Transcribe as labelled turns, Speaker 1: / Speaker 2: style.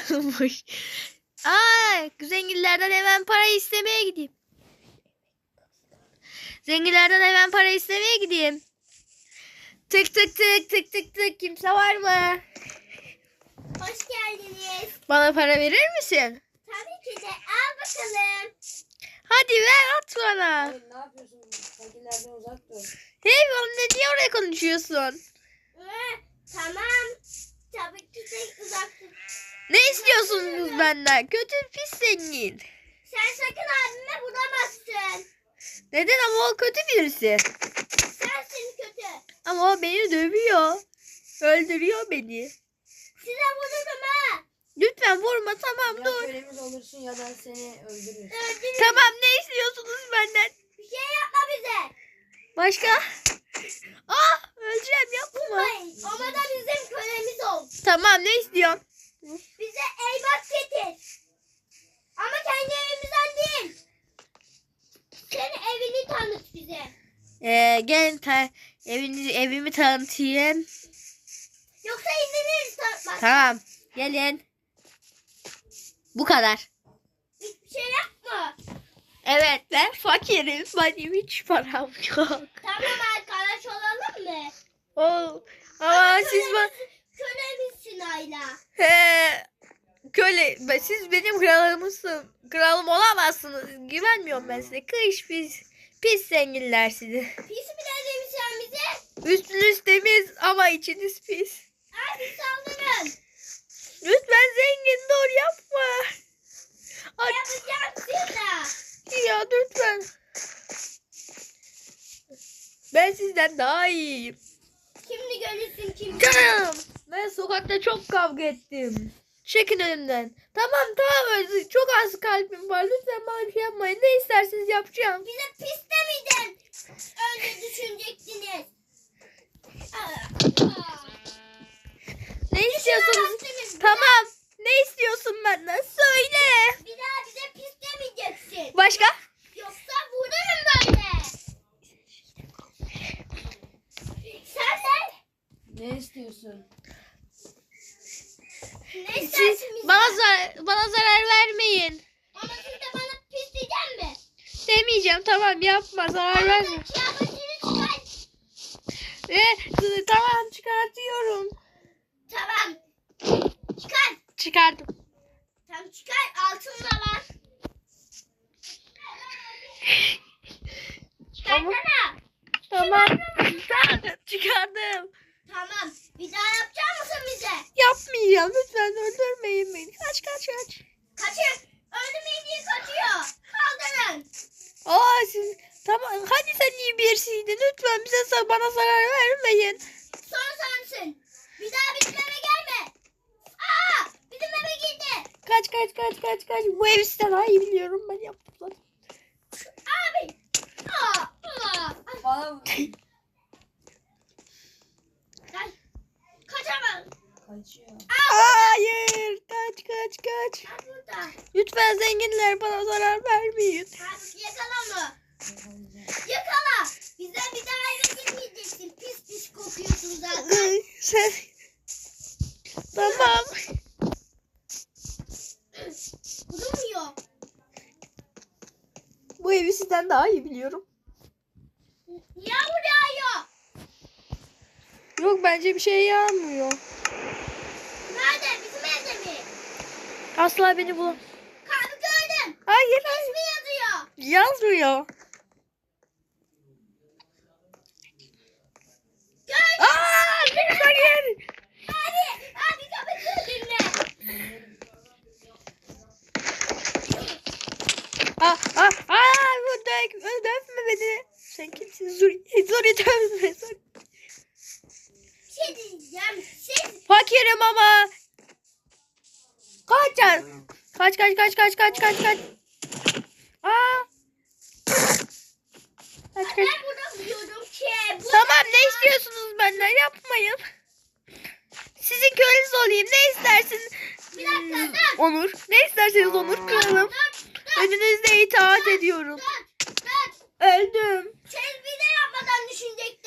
Speaker 1: Zenginlerden hemen para istemeye gideyim. Zenginlerden hemen para istemeye gideyim. Tık tık tık tık tık tık. Kimse var mı?
Speaker 2: Hoş geldiniz.
Speaker 1: Bana para verir misin?
Speaker 2: Tabii ki de. Al bakalım.
Speaker 1: Hadi ver, at bana.
Speaker 3: Hayır, ne yapıyorsun? Fakirlerden uzak dur.
Speaker 1: Hey oğlum, niye oraya konuşuyorsun?
Speaker 2: Tamam. Tabii ki de uzak dur.
Speaker 1: Ne istiyorsunuz benden? Kötü pis zengin.
Speaker 2: Sen sakın abime bulamazsın.
Speaker 1: Neden, ama o kötü birisi.
Speaker 2: Sensin kötü.
Speaker 1: Ama o beni dövüyor. Öldürüyor beni.
Speaker 2: Size vururum ha.
Speaker 1: Lütfen vurma, tamam
Speaker 3: Ya
Speaker 1: dur.
Speaker 3: kölemiz olursun ya da seni öldürürüz.
Speaker 2: Öldürürüm.
Speaker 1: Tamam, ne istiyorsunuz benden?
Speaker 2: Bir şey yapma bize.
Speaker 1: Başka? Öleceğim, yapma.
Speaker 2: Vurmayın. Ama da bizim kölemiz ol.
Speaker 1: Tamam, ne istiyorsun?
Speaker 2: Bize elmas getir. Ama kendi evimizden değil. Senin evini tanıt bize.
Speaker 1: Gel evimi tanıtayım.
Speaker 2: Yoksa indiririz tanıtmaz.
Speaker 1: Tamam, gelin. Bu kadar.
Speaker 2: Hiçbir şey yapma.
Speaker 1: Evet, ben fakirim. Benim hiç param yok.
Speaker 2: Tamam arkadaş olalım mı?
Speaker 1: Ama siz
Speaker 2: Kölemizsin Ayla.
Speaker 1: siz benim kralımsınız. Kralım olamazsınız. Güvenmiyorum ben size. Kış pis zenginler sizi.
Speaker 2: Pis mi dedin sen bize?
Speaker 1: Üstünüz temiz ama içiniz pis.
Speaker 2: Hadi saldırın.
Speaker 1: Lütfen zengin, dur yapma.
Speaker 2: Yapacağım size.
Speaker 1: Ya lütfen. Ben sizden daha iyiyim.
Speaker 2: Şimdi görürsün kim.
Speaker 1: Canım. Ben sokakta çok kavga ettim. Çekin önümden. Tamam çok az kalbim var. Lütfen bana bir şey yapmayın. Ne isterseniz yapacağım.
Speaker 2: Bize pis demeyeceğim. Önce düşünecektiniz.
Speaker 1: Ne istiyorsunuz?
Speaker 2: Yaptınız.
Speaker 1: Tamam. Ne istiyorsun benden? Söyle.
Speaker 2: Bir daha bize pis demeyeceksin.
Speaker 1: Başka?
Speaker 2: Yoksa vururum böyle. Sen de
Speaker 3: Ne istiyorsun?
Speaker 2: ne
Speaker 1: Siz
Speaker 2: istersin bizden?
Speaker 1: bana zarar vermeyin.
Speaker 2: Ama siz de bana pis diyecek mi?
Speaker 1: Demeyeceğim, tamam, yapma, zarar verme.
Speaker 2: Kıyafetini çıkar.
Speaker 1: Tamam, çıkartıyorum.
Speaker 2: Tamam. Çıkar.
Speaker 1: Çıkardım.
Speaker 2: Tamam çıkar. Altın da var. Çıkarsana.
Speaker 1: Tamam. Çıkardım.
Speaker 2: Tamam. Bir daha yapacak mısın bize?
Speaker 1: Yapmayacağım. Lütfen öldürmeyin beni. Kaç.
Speaker 2: Kaçın. Öldürmeyin diye kaçıyor. Kaldırın.
Speaker 1: Siz tamam. Hadi sen iyi birisiydin. Lütfen bana zarar vermeyin.
Speaker 2: Son sensin. Bir daha bizim eve gelme. Bizim eve girdi.
Speaker 1: Kaç. Bu evi sizden daha iyi biliyorum. Ben yaptım zaten.
Speaker 2: Abi.
Speaker 3: Bana vur.
Speaker 2: Kaçamam.
Speaker 3: Kaçıyor.
Speaker 1: Hayır. Kaç.
Speaker 2: Burada.
Speaker 1: Lütfen zenginler bana zarar vermeyin.
Speaker 2: Hadi yakala mı? Yakala. Bize bir daha eve girmeyeceksin. Pis kokuyorsun zaten.
Speaker 1: Sen... Tamam.
Speaker 2: Durmuyor.
Speaker 1: Bu evi sizden daha iyi biliyorum.
Speaker 2: Yağmur yağıyor.
Speaker 1: Yok, bence bir şey yağmıyor.
Speaker 2: Nerede? Bizim evde mi?
Speaker 1: Asla beni bulam.
Speaker 2: Kalbi gördüm.
Speaker 1: Hayır.
Speaker 2: İsmi yazıyor.
Speaker 1: Yazmıyor.
Speaker 2: Gördüm.
Speaker 1: Hayır.
Speaker 2: Abi kapatın dinle.
Speaker 1: Dövme beni. Sen kimsin? Zuri dövme.
Speaker 2: Şey diyeceğim.
Speaker 1: Fakirim ama. Kaç. Kaç.
Speaker 2: Ben burada diyorum ki.
Speaker 1: Tamam, ne istiyorsunuz benden? Yapmayın. Sizin köleniz olayım. Ne istersin?
Speaker 2: Bir dakika dur.
Speaker 1: Onur. Ne isterseniz Onur, kralım. Önünüzde itaat ediyorum.
Speaker 2: Dur.
Speaker 1: Öldüm.
Speaker 2: Siz bir de yapmadan düşünecek